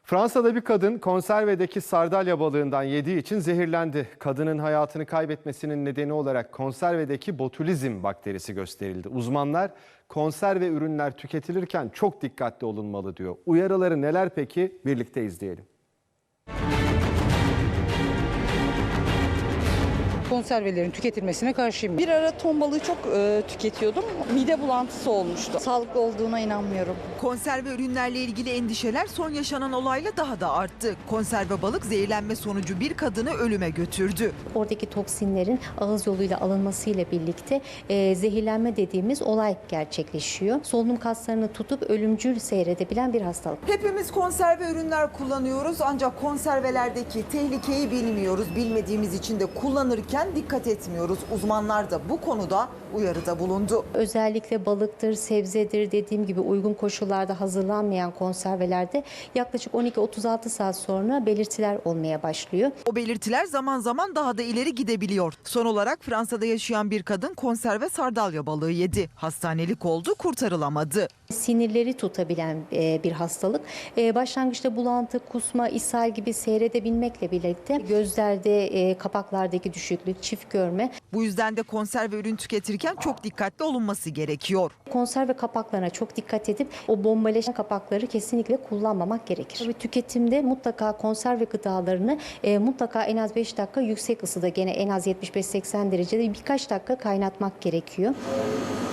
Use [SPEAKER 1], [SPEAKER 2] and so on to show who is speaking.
[SPEAKER 1] Fransa'da bir kadın konservedeki sardalya balığından yediği için zehirlendi. Kadının hayatını kaybetmesinin nedeni olarak konservedeki botulizm bakterisi gösterildi. Uzmanlar konserve ürünler tüketilirken çok dikkatli olunmalı diyor. Uyarıları neler peki? Birlikte izleyelim.
[SPEAKER 2] Konservelerin tüketilmesine karşıyım.
[SPEAKER 3] Bir ara ton balığı çok tüketiyordum. Mide bulantısı olmuştu. Sağlıklı olduğuna inanmıyorum.
[SPEAKER 4] Konserve ürünlerle ilgili endişeler son yaşanan olayla daha da arttı. Konserve balık zehirlenme sonucu bir kadını ölüme götürdü.
[SPEAKER 5] Oradaki toksinlerin ağız yoluyla alınmasıyla birlikte zehirlenme dediğimiz olay gerçekleşiyor. Solunum kaslarını tutup ölümcül seyredebilen bir hastalık.
[SPEAKER 4] Hepimiz konserve ürünler kullanıyoruz ancak konservelerdeki tehlikeyi bilmiyoruz. Bilmediğimiz için de kullanırken dikkat etmiyoruz. Uzmanlar da bu konuda uyarıda bulundu.
[SPEAKER 5] Özellikle balıktır, sebzedir dediğim gibi uygun koşullarda hazırlanmayan konservelerde yaklaşık 12-36 saat sonra belirtiler olmaya başlıyor.
[SPEAKER 4] O belirtiler zaman zaman daha da ileri gidebiliyor. Son olarak Fransa'da yaşayan bir kadın konserve sardalya balığı yedi. Hastanelik oldu, kurtarılamadı.
[SPEAKER 5] Sinirleri tutabilen bir hastalık. Başlangıçta bulantı, kusma, ishal gibi seyredebilmekle birlikte gözlerde, kapaklardaki düşüklük, çift görme.
[SPEAKER 4] Bu yüzden de konserve ürün tüketirken çok dikkatli olunması gerekiyor.
[SPEAKER 5] Konserve kapaklarına çok dikkat edip o bombaleşen kapakları kesinlikle kullanmamak gerekir. Tabii tüketimde mutlaka konserve gıdalarını mutlaka en az 5 dakika yüksek ısıda, gene en az 75-80 derecede birkaç dakika kaynatmak gerekiyor.